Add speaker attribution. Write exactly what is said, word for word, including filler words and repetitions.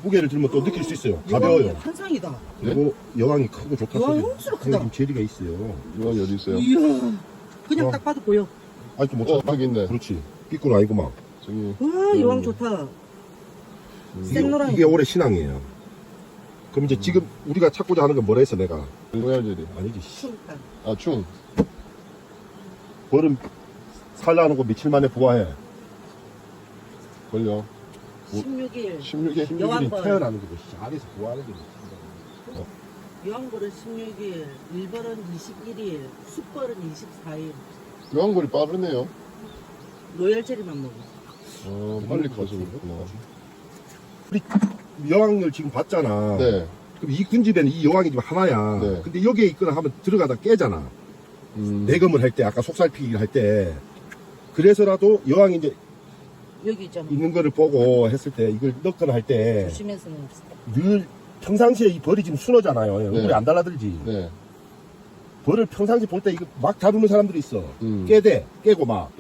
Speaker 1: 무게를 들면 또 느낄 수 있어요. 가벼워요.
Speaker 2: 한상이다.
Speaker 1: 그리고 여왕이 크고 좋다.
Speaker 2: 여왕이
Speaker 1: 소리.
Speaker 2: 엄청 크다.
Speaker 1: 지금 제리가 있어요.
Speaker 3: 여왕이 어디 있어요?
Speaker 2: 이야. 그냥
Speaker 1: 어.
Speaker 2: 딱 봐도 보여.
Speaker 1: 아직도 못
Speaker 3: 어,
Speaker 1: 찾았다.
Speaker 3: 여기 있네.
Speaker 1: 그렇지. 삐꾸는 아니구만.
Speaker 3: 저기.
Speaker 2: 와, 여왕 좋다.
Speaker 1: 이게,
Speaker 2: 생노랑이.
Speaker 1: 이게 올해 신앙이에요. 그럼 이제 지금 우리가 찾고자 하는 건 뭐라 했어 내가?
Speaker 3: 로얄젤리.
Speaker 1: 아니지. 씨.
Speaker 2: 충탄.
Speaker 3: 아, 충.
Speaker 1: 벌은 살라는 거 며칠 만에 부화해.
Speaker 3: 걸려.
Speaker 2: 십육 일.
Speaker 3: 십육 일.
Speaker 1: 십육 일이
Speaker 2: 여왕벌.
Speaker 1: 태어나는 거고 알에서 부화하는 거지.
Speaker 2: 여왕벌은 십육 일, 일벌은 이십일 일, 숫벌은 이십사 일.
Speaker 3: 여왕벌이 빠르네요.
Speaker 2: 로열젤리만 먹어.
Speaker 3: 어, 빨리 가서 그렇구나.
Speaker 1: 우리 여왕을 지금 봤잖아.
Speaker 3: 네.
Speaker 1: 그럼 이 군집에는 이 여왕이 지금 하나야.
Speaker 3: 네.
Speaker 1: 근데 여기에 있거나 하면 들어가다 깨잖아.
Speaker 3: 음.
Speaker 1: 내검을 할 때, 아까 속살피기를 할 때. 그래서라도 여왕이 이제
Speaker 2: 여기 있잖아.
Speaker 1: 있는 거를 보고 했을 때 이걸 넣거나 할 때
Speaker 2: 조심해서 넣읍시다.
Speaker 1: 늘 평상시에 이 벌이 지금 순하잖아요. 얼굴이 안 달라들지.
Speaker 3: 네.
Speaker 1: 벌을 평상시 볼 때 이거 막 다루는 사람들이 있어.
Speaker 3: 음.
Speaker 1: 깨대, 깨고 막.